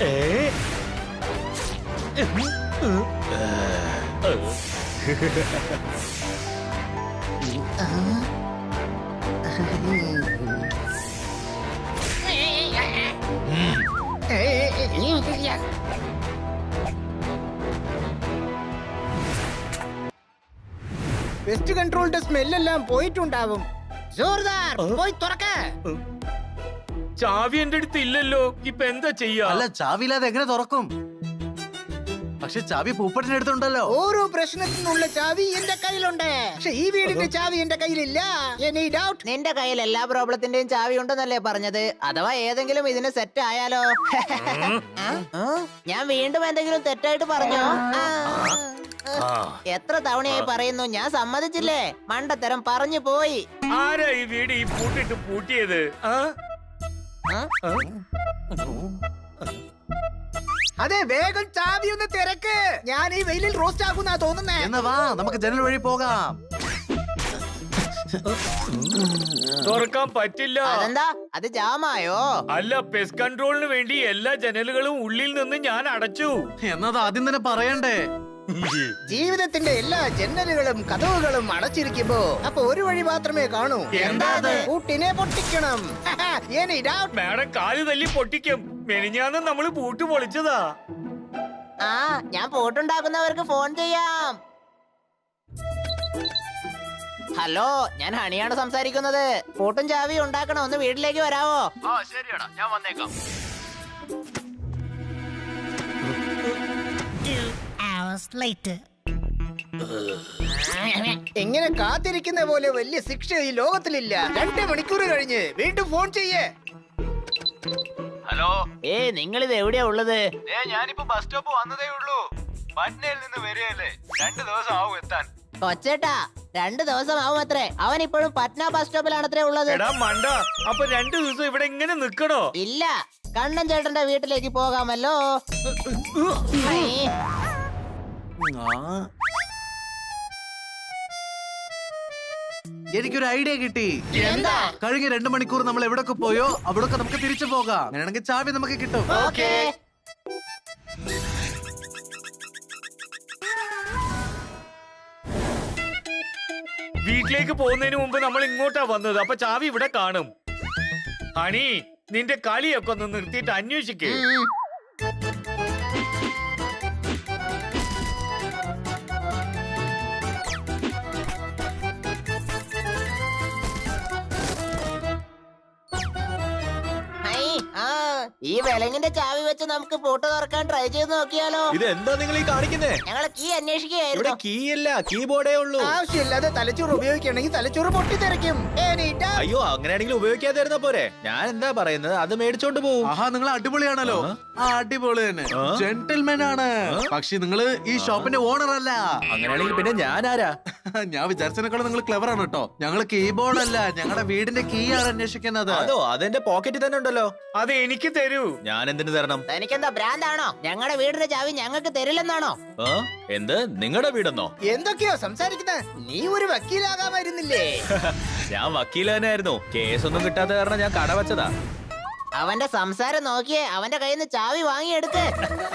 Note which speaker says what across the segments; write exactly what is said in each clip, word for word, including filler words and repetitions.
Speaker 1: Pest കൺട്രോളിന്റെ സ്മെല്ലെല്ലാം പോയിട്ടുണ്ടാവും. ജോർദാർ പോയി തുറക്ക.
Speaker 2: ചാവി എന്റെ അടുത്ത് ഇല്ലല്ലോ, ഇപ്പൊ എന്താ ചെയ്യാ?
Speaker 3: അല്ല, ചാവി ഇല്ലാതെ എങ്ങനെ തുറക്കും? പക്ഷെ ചാവി പൂപ്പട്ടിന്റെ അടുത്തുണ്ടല്ലോ.
Speaker 1: ഓരോ പ്രശ്നത്തിനുള്ള ചാവി എന്റെ കയ്യിലുണ്ട്, പക്ഷെ ഈ വീടിന്റെ ചാവി എന്റെ കയ്യിലില്ല. Any doubt?
Speaker 4: നിന്റെ കയ്യിൽ എല്ലാ പ്രോബ്ലത്തിന്റെയും ചാവി ഉണ്ടെന്നല്ലേ പറഞ്ഞത്? അഥവാ ഏതെങ്കിലും ഇതിന് സെറ്റ് ആയാലോ? ഞാൻ വീണ്ടും എന്തെങ്കിലും തെറ്റായിട്ട് പറഞ്ഞോ? എത്ര തവണയായി പറയുന്നു, ഞാൻ സമ്മതിച്ചില്ലേ? മണ്ടത്തരം പറഞ്ഞു പോയി.
Speaker 2: ആരാ ഈ വീട് ഈ പൂട്ടിട്ട് പൂട്ടിയത്?
Speaker 1: അതെ, വേഗം ചാവി ഒന്ന് തിരക്ക്. ഞാൻ ഈ വെയിലിൽ റോസ്റ്റ് ആകുന്നാ തോന്നുന്നേ.
Speaker 3: എന്നാ വാ, നമുക്ക് ജനൽ വഴി പോകാം.
Speaker 2: തുറക്കാൻ പറ്റില്ല.
Speaker 4: അതെന്താ, അത് ജാമായോ?
Speaker 2: അല്ല, പെസ്റ്റ് കൺട്രോളിന് വേണ്ടി എല്ലാ ജനലുകളും ഉള്ളിൽ നിന്ന് ഞാൻ അടച്ചു.
Speaker 3: എന്നത് ആദ്യം തന്നെ പറയണ്ടേ?
Speaker 1: ജീവിതത്തിന്റെ എല്ലാ ജനലുകളും കതവുകളും അടച്ചിരിക്കുമ്പോ അപ്പൊ ഒരു വഴി മാത്രമേ കാണൂ.
Speaker 2: എന്താ അത്?
Speaker 1: പൂട്ടിനെ പൊട്ടിക്കണം.
Speaker 2: മാഡം കാല് തല്ലി പൊട്ടിക്കും. മെനിഞ്ഞാന്ന് നമ്മള് പൂട്ട് പൊളിച്ചതാ.
Speaker 4: ആ, ഞാൻ പൂട്ടുണ്ടാക്കുന്നവർക്ക് ഫോൺ ചെയ്യാം. ഹലോ, ഞാൻ ഹണിയാണ് സംസാരിക്കുന്നത്. പൂട്ടും ചാവി ഉണ്ടാക്കണം, ഒന്ന് വീട്ടിലേക്ക് വരാവോ?
Speaker 3: ആ ശരിയാടാ, ഞാൻ വന്നേക്കാം.
Speaker 1: എങ്ങനെ കാത്തിരിക്കുന്ന പോലെ വലിയ ശിക്ഷ ഈ ലോകത്തിലില്ല. രണ്ട് മണിക്കൂർ കഴിഞ്ഞ് വീണ്ടും ഫോൺ ചെയ്യേ.
Speaker 3: ഹലോ,
Speaker 4: ഏ നിങ്ങൾ ഇത് എവിടെയാ ഉള്ളത്?
Speaker 3: ഞാനിപ്പോ ബസ് സ്റ്റോപ്പ് വന്നതേ ഉള്ളൂ. പട്നയിൽ നിന്ന് വരികയല്ലേ, രണ്ടു ദിവസം ആവും എത്താൻ.
Speaker 4: കൊച്ചേട്ടാ, രണ്ടു ദിവസം ആവും അത്രേ. അവൻ ഇപ്പോഴും പട്ന ബസ് സ്റ്റോപ്പിലാണ് അത്രേ ഉള്ളത്.
Speaker 2: എടാ മണ്ട, അപ്പൊ രണ്ടു ദിവസം ഇവിടെ ഇങ്ങനെ നിക്കണോ?
Speaker 4: ഇല്ല, കണ്ണൻ ചേട്ടന്റെ വീട്ടിലേക്ക് പോകാമല്ലോ.
Speaker 3: എനിക്കൊരു ഐഡിയ കിട്ടി.
Speaker 4: എന്താ?
Speaker 3: കഴിഞ്ഞ രണ്ടു മണിക്കൂർ നമ്മൾ എവിടൊക്കെ പോയോ അവിടൊക്കെ നമുക്ക് തിരിച്ചു പോകാം. അങ്ങനെയാണെങ്കിൽ ചാവി നമുക്ക് കിട്ടും.
Speaker 4: ഓക്കേ.
Speaker 2: വീട്ടിലേക്ക് പോകുന്നതിന് മുമ്പ് നമ്മൾ ഇങ്ങോട്ടാ വന്നത്, അപ്പൊ ചാവി ഇവിടെ കാണും. ഹണി, നിന്റെ കളിയൊക്കെ ഒന്ന് നിർത്തിയിട്ട് അന്വേഷിക്കേ.
Speaker 4: ഈ വിലങ്ങിന്റെ ചാവി വെച്ച് നമുക്ക് പൂട്ട് തുറക്കാൻ ട്രൈ ചെയ്ത് നോക്കിയാലോ?
Speaker 5: ഇത് എന്താ നിങ്ങൾ ഈ കാണിക്കുന്നേ?
Speaker 4: ഞങ്ങള് കീ അന്വേഷിക്കുകയായിരുന്നു.
Speaker 5: കീ അല്ല, കീബോർഡേ ഉള്ളൂ.
Speaker 1: ആവശ്യമില്ലാതെ തലച്ചോറ് ഉപയോഗിക്കണമെങ്കിൽ തലച്ചോറ് പൊട്ടിത്തെറിക്കും.
Speaker 5: അയ്യോ, അങ്ങനെയാണെങ്കിൽ ഉപയോഗിക്കാതിരുന്ന പോരെ. ഞാൻ എന്താ പറയുന്നത്, അത് മേടിച്ചോണ്ട് പോവും.
Speaker 3: ആഹാ, നിങ്ങൾ അടിപൊളിയാണല്ലോ. ആ, അടിപൊളി തന്നെ, ജെന്റിൽമാൻ ആണ്. പക്ഷെ നിങ്ങള് ഈ ഷോപ്പിന്റെ ഓണർ അല്ല.
Speaker 5: അങ്ങനെയാണെങ്കിൽ പിന്നെ ഞാൻ ആരാ?
Speaker 3: ഞാൻ വിചാരിച്ചതിനേക്കാളും നിങ്ങൾ ക്ലെവർ ആണ് കേട്ടോ. ഞങ്ങള് കീബോർഡ് അല്ല, ഞങ്ങളുടെ വീടിന്റെ കീ ആണ് അന്വേഷിക്കുന്നത്.
Speaker 5: അതോ, അതെന്റെ പോക്കറ്റിൽ തന്നെ ഉണ്ടല്ലോ.
Speaker 2: അത് എനിക്ക് തരൂ.
Speaker 5: ഞാൻ എന്തിനു തരണം?
Speaker 4: എനിക്കെന്താ ഭ്രാന്താണോ? ഞങ്ങളുടെ വീടിന്റെ ചാവി ഞങ്ങൾക്ക് തരില്ലെന്നാണോ?
Speaker 5: എന്ത്, നിങ്ങളുടെ വീടെന്നോ?
Speaker 1: എന്തൊക്കെയോ സംസാരിക്കുന്നത്? നീ ഒരു വക്കീലാകാമായിരുന്നില്ലേ?
Speaker 5: ഞാൻ വക്കീൽ തന്നെ ആയിരുന്നു. കേസൊന്നും കിട്ടാത്ത കാരണം ഞാൻ കട വെച്ചതാ.
Speaker 4: അവന്റെ സംസാരം നോക്കിയേ, അവന്റെ കയ്യിൽ നിന്ന് ചാവി വാങ്ങിയെടുക്ക്.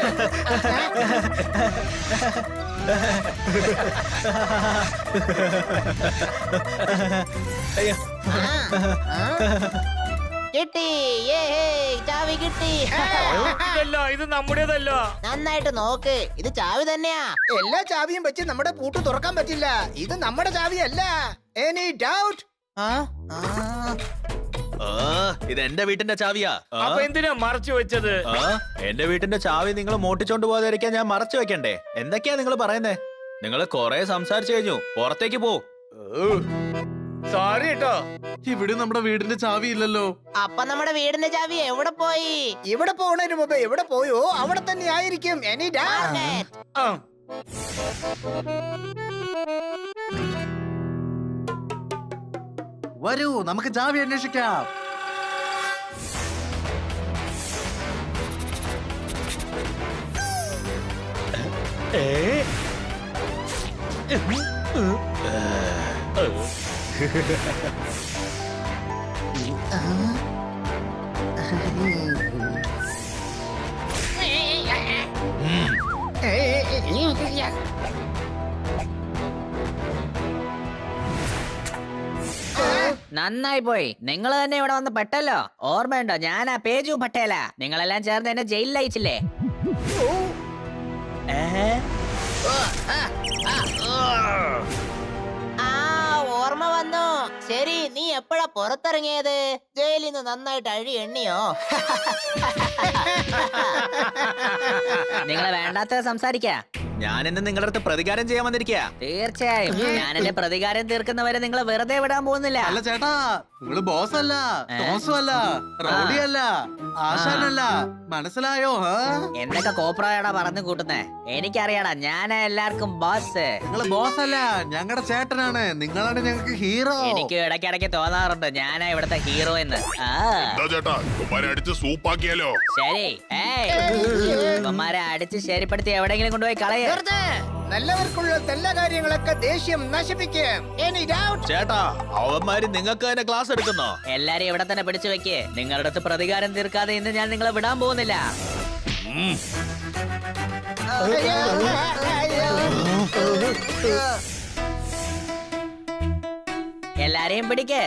Speaker 4: കിട്ടി, ചാവി കിട്ടി.
Speaker 2: ഇതല്ല, ഇത് നമ്മുടേതല്ല.
Speaker 4: നന്നായിട്ട് നോക്ക്, ഇത് ചാവി തന്നെയാ.
Speaker 1: എല്ലാ ചാവിയും വെച്ച് നമ്മുടെ പൂട്ട് തുറക്കാൻ പറ്റില്ല. ഇത് നമ്മുടെ ചാവിയല്ല. Any doubt?
Speaker 5: ഇത് എന്റെ വീട്ടിന്റെ ചാവിയാ.
Speaker 2: അപ്പൊ എന്തിനാ മറച്ചു വെച്ചത്?
Speaker 5: എന്റെ വീട്ടിന്റെ ചാവി നിങ്ങൾ മോട്ടിച്ചോണ്ട് പോകാതിരിക്കാൻ ഞാൻ മറച്ചു വെക്കണ്ടേ? എന്തൊക്കെയാ നിങ്ങൾ പറയുന്നേ? നിങ്ങൾ കൊറേ സംസാരിച്ചു കഴിഞ്ഞു, പുറത്തേക്ക് പോ.
Speaker 2: സോറി കേട്ടോ.
Speaker 3: ഇവിടെ നമ്മുടെ വീടിന്റെ ചാവി ഇല്ലല്ലോ.
Speaker 4: അപ്പൊ നമ്മുടെ വീടിന്റെ ചാവി എവിടെ പോയി?
Speaker 1: ഇവിടെ പോണതിന് മുമ്പ് എവിടെ പോയോ അവിടെ തന്നെ ആയിരിക്കും. Any doubt?
Speaker 3: വരൂ, നമുക്ക് ചാവി അന്വേഷിക്കാം.
Speaker 4: നന്നായി പോയി. നിങ്ങൾ തന്നെ ഇവിടെ വന്ന് പെട്ടല്ലോ. ഓർമ്മയുണ്ടോ? ഞാനാ പേജു പട്ടേല. നിങ്ങളെല്ലാം ചേർന്ന് എന്നെ ജയിലിൽ അയച്ചില്ലേ? ആ ഓർമ്മ വന്നു. ശരി, നീ എപ്പോഴാ പുറത്തിറങ്ങിയത്? ജയിലിൽ നിന്ന് നന്നായിട്ട് അഴി എണ്ണിയോ? നിങ്ങളെ വേണ്ടാത്ത സംസാരിക്കാ.
Speaker 5: ഞാൻ ഇന്ന് നിങ്ങളുടെ അടുത്ത് പ്രതികാരം ചെയ്യാൻ വന്നിരിക്കുക.
Speaker 4: തീർച്ചയായും ഞാൻ എന്റെ പ്രതികാരം തീർക്കുന്നവരെ നിങ്ങളെ വെറുതെ വിടാൻ പോകുന്നില്ല.
Speaker 3: അല്ല ചേട്ടാ, നിങ്ങള് ബോസ് അല്ല, ടോസും അല്ല, റൗഡി അല്ല, ആശാനല്ല. മനസ്സിലായോ?
Speaker 4: എന്തൊക്കെ കോപ്രായടാ പറഞ്ഞു കൂട്ടുന്നേ? എനിക്കറിയാടാ, ഞാനാ എല്ലാവർക്കും ബോസ്.
Speaker 3: നിങ്ങള് ബോസ് അല്ല, ഞങ്ങളുടെ ചേട്ടനാണ്. നിങ്ങളാണ് ഞങ്ങൾക്ക് ഹീറോ.
Speaker 4: എനിക്ക് ഇടയ്ക്കിടയ്ക്ക് തോന്നാറുണ്ട് ഞാനാ ഇവിടുത്തെ ഹീറോ എന്ന്. ആ
Speaker 6: ചേട്ടാ അടിച്ച് സൂപ്പാക്കിയാലോ?
Speaker 4: ശരി, ഇവന്മാരെ അടിച്ച് ശരിപ്പെടുത്തി എവിടെയെങ്കിലും കൊണ്ടുപോയി കളയ.
Speaker 1: നല്ലവർക്കുള്ള നല്ല കാര്യങ്ങളൊക്കെ ദേഷ്യം നശിപ്പിക്കും. Any doubt?
Speaker 5: ചേട്ടാ, അവന്മാര് നിങ്ങൾക്ക് തന്നെ ക്ലാസ് എടുക്കുന്നോ?
Speaker 4: എല്ലാരും ഇവിടെ തന്നെ പിടിച്ചു വെക്ക്. നിങ്ങളുടെ അടുത്ത് പ്രതികാരം തീർക്കാതെ ഇന്ന് ഞാൻ നിങ്ങളെ വിടാൻ പോകുന്നില്ല. എല്ലാരെയും പിടിക്ക്.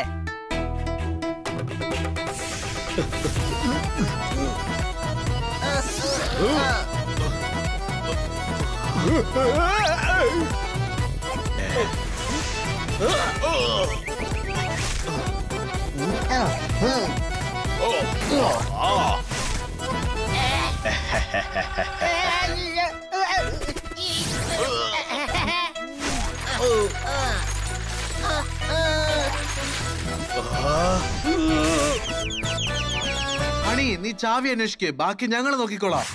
Speaker 3: അണി, നീ ചാവി അന്വേഷിക്ക്. ബാക്കി ഞങ്ങൾ നോക്കിക്കോളാം.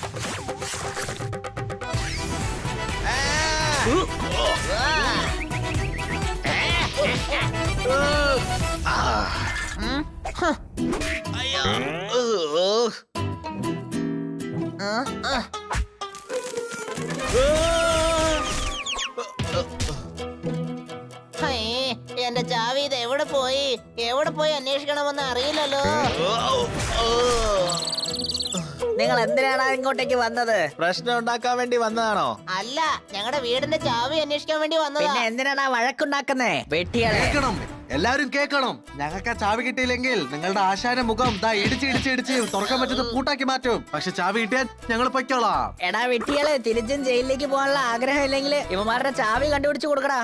Speaker 4: എന്റെ ചാവി ഇത് എവിടെ പോയി? എവിടെ പോയി അന്വേഷിക്കണമെന്ന് അറിയില്ലല്ലോ. നിങ്ങൾ എന്തിനാണ് ഇങ്ങോട്ടേക്ക് വന്നത്?
Speaker 5: പ്രശ്നം ഉണ്ടാക്കാൻ വേണ്ടി വന്നതാണോ?
Speaker 4: അല്ല, ഞങ്ങളുടെ വീടിന്റെ ചാവി അന്വേഷിക്കാൻ വേണ്ടി വന്നത്. പിന്നെ എന്തിനാണ് വഴക്കുണ്ടാക്കുന്നേ? വെട്ടിയാളെ
Speaker 3: കേക്കണം, എല്ലാരും കേക്കണം. ഞങ്ങൾക്ക് ആ ചാവി കിട്ടിയില്ലെങ്കിൽ നിങ്ങളുടെ ആശാന മുഖം ദാ ഇടിച്ച് ഇടിച്ച് ഇടിച്ച് തുറക്കാൻ പറ്റുന്ന പൂട്ടാക്കി മാറ്റും. പക്ഷെ ചാവി കിട്ടിയാൽ ഞങ്ങൾ പൊയ്ക്കോളാം.
Speaker 4: എടാ വെട്ടിയാളെ, തിരിച്ചും ജയിലിലേക്ക് പോകാനുള്ള ആഗ്രഹം ഇല്ലെങ്കിൽ ഇവന്മാരുടെ ചാവി കണ്ടുപിടിച്ചു കൊടുക്കടാ.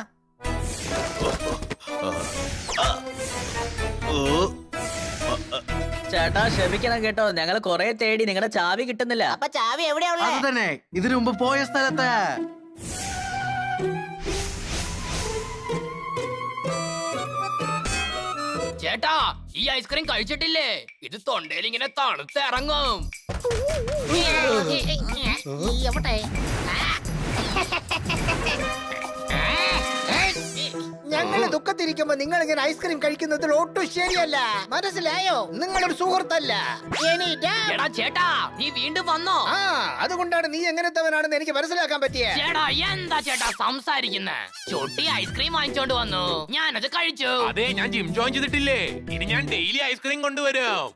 Speaker 4: ചേട്ടാ ക്ഷമിക്കണം കേട്ടോ, ഞങ്ങൾ കൊറേ തേടി നിങ്ങളുടെ ചാവി കിട്ടുന്നില്ല. അപ്പൊ ചാവി എവിടെയാ?
Speaker 3: അത് തന്നെ, ഇതിനു മുമ്പ് പോയ സ്ഥലത്ത്.
Speaker 7: ചേട്ടാ, ഈ ഐസ്ക്രീം കഴിച്ചിട്ടില്ലേ? ഇത് തൊണ്ടയിൽ ഇങ്ങനെ തണുത്തിറങ്ങും.
Speaker 1: എവിടെ? ഞങ്ങള് ദുഃഖത്തിരിക്കുമ്പോ നിങ്ങൾ ഇങ്ങനെ ഐസ്ക്രീം കഴിക്കുന്നതിൽ ഒട്ടും ശരിയല്ല. മനസ്സിലായോ? നിങ്ങളൊരു സുഹൃത്തല്ല. Any doubt?
Speaker 7: എടാ ചേട്ടാ, നീ വീണ്ടും വന്നോ?
Speaker 1: ആ, അതുകൊണ്ടാണ് നീ എങ്ങനത്തവനാണെന്ന് എനിക്ക് മനസ്സിലാക്കാൻ പറ്റിയ.
Speaker 7: ചേട്ടാ, എന്താ ചേട്ടാ സംസാരിക്കുന്നേ? ചൊട്ടി ഐസ്ക്രീം വാങ്ങിച്ചോണ്ട് വന്നു, ഞാനത് കഴിച്ചു.
Speaker 6: അതെ, ഞാൻ ജിം ജോയിൻ ചെയ്തിട്ടില്ലേ? ഇനി ഞാൻ ഡെയിലി ഐസ്ക്രീം കൊണ്ടുവരും.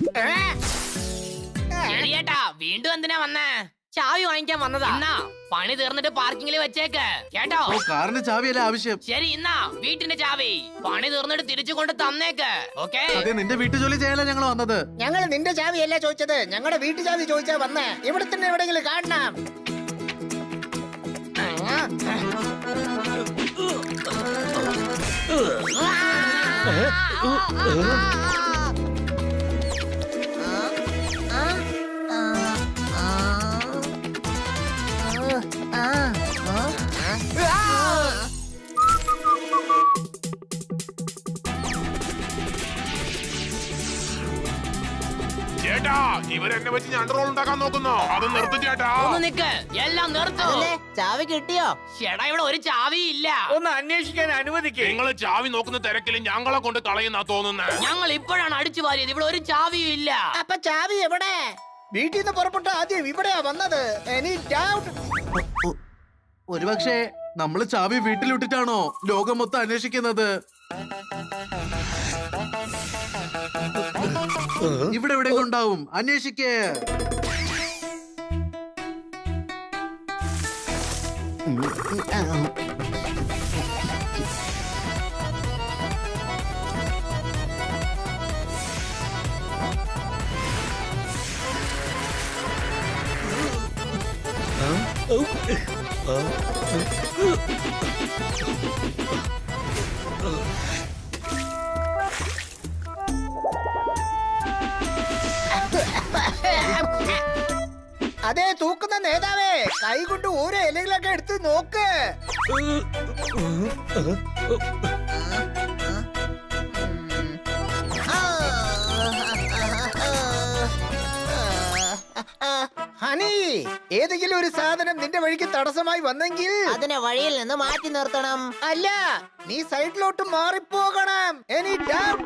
Speaker 7: ശരി ചേട്ടാ, വീണ്ടും എന്തിനാ വന്നേ? ചാവി വാങ്ങിക്കാൻ വന്നതാ. എന്നാ പണി തീർന്നിട്ട് പാർക്കിങ്ങിൽ വെച്ചേക്ക് കേട്ടോ.
Speaker 3: ഓ, കാറിന്റെ ചാവിയല്ല ആവശ്യം.
Speaker 7: ശരി, ഇന്നാ വീട്ടിന്റെ ചാവി പണി തീർന്നിട്ട് തിരിച്ചു കൊണ്ട് തന്നേക്ക്. ഓക്കേ?
Speaker 3: അതെ, നിന്റെ വീട്ടു ജോലി ചെയ്യാനാ ഞങ്ങൾ വന്നത്.
Speaker 1: ഞങ്ങൾ നിന്റെ ചാവിയല്ല ചോദിച്ചത്, ഞങ്ങളുടെ വീട്ടു ചാവി ചോദിച്ചാ വന്നേ. ഇവിടെ തന്നെ എവിടെയെങ്കിലും കാണണം.
Speaker 6: ചേട്ടാ, ഇവരെന്നെ വെച്ച് ഞാൻ റോൾ ഉണ്ടാക്കാൻ നോക്കുന്നോ? അത് നിർത്തും ചേട്ടാ.
Speaker 7: ഒന്ന് നിക്ക്, എല്ലാം നിർത്തു.
Speaker 4: ചാവി കിട്ടിയോ?
Speaker 7: ചേട്ടാ, ഇവിടെ ഒരു ചാവി ഇല്ല.
Speaker 2: ഒന്ന് അന്വേഷിക്കാൻ അനുവദിക്കേ.
Speaker 6: നിങ്ങൾ ചാവി നോക്കുന്ന തിരക്കിൽ ഞങ്ങളെ കൊണ്ട് കളയുന്നാ തോന്നുന്നത്.
Speaker 7: ഞങ്ങൾ ഇപ്പോഴാണ് അടിച്ചു വാരിയത്, ഇവിടെ ഒരു ചാവിയും ഇല്ല.
Speaker 1: അപ്പൊ ചാവി എവിടെ? വീട്ടിൽ നിന്ന് പുറപ്പെട്ട ആദ്യം ഇവിടെയാ വന്നത്. Any doubt?
Speaker 3: ഒരുപക്ഷെ നമ്മള് ചാവി വീട്ടിലിട്ടിട്ടാണോ ലോകം മൊത്തം അന്വേഷിക്കുന്നത്? ഇവിടെ എവിടെ ഉണ്ടാവും, അന്വേഷിക്കേ.
Speaker 1: അതെ തൂക്കുന്ന നേതാവേ, കൈ കൊണ്ട് ഓരോ ഇലകളൊക്കെ എടുത്ത് നോക്ക്. ഹണി, ഏതെങ്കിലും ഒരു സാധനം നിന്റെ വഴിക്ക് തടസ്സമായി വന്നെങ്കിൽ
Speaker 4: അതിനെ വഴിയിൽ നിന്ന് മാറ്റി നിർത്തണം.
Speaker 1: അല്ല, നീ സൈഡിലോട്ട് മാറിപ്പോകണം. Any doubt?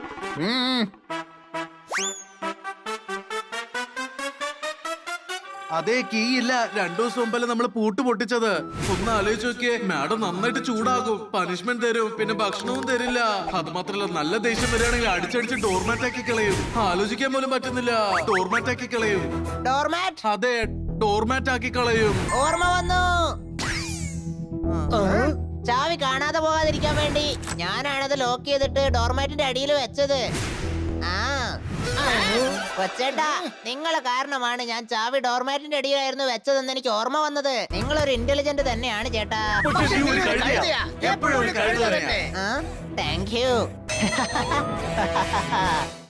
Speaker 3: അതേ കീ ഇല്ല. രണ്ടു ദിവസം മുമ്പല്ലേ നമ്മൾ പൂട്ട് പൊട്ടിച്ചത്. ഒന്ന് ആലോചിച്ച് നോക്കിയേ, മാഡം നന്നായിട്ട് ചൂടാകും, പനിഷ്മെന്റ് തരും, പിന്നെ ഭക്ഷണവും തരില്ല. അത് മാത്രല്ല നല്ല ദേഷ്യം വരികയാണെങ്കിൽ അടിച്ചടിച്ച് ഡോർമാറ്റ് ആക്കി കളയും. ആലോചിക്കാൻ പോലും പറ്റുന്നില്ല. ഡോർമാറ്റ് ആക്കി കളയും.
Speaker 4: ഡോർമാറ്റ്?
Speaker 3: അതെ, ഡോർമാറ്റ് ആക്കി കളയും.
Speaker 4: ഓർമ്മ വന്നു. ചാവി കാണാതെ പോകാതിരിക്കാൻ വേണ്ടി ഞാനാണത് ലോക്ക് ചെയ്തിട്ട് ഡോർമാറ്റിന്റെ അടിയിൽ വെച്ചത്. ആ കൊച്ചേട്ടാ, നിങ്ങളെ കാരണമാണ് ഞാൻ ചാവി ഡോർമാറ്റിന്റെ അടിയിലായിരുന്നു വെച്ചതെന്ന് എനിക്ക് ഓർമ്മ വന്നത്. നിങ്ങളൊരു ഇന്റലിജന്റ് തന്നെയാണ് ചേട്ടാ.
Speaker 1: എപ്പോഴും ഒരു കഴുത തന്നെ.
Speaker 4: Thank U.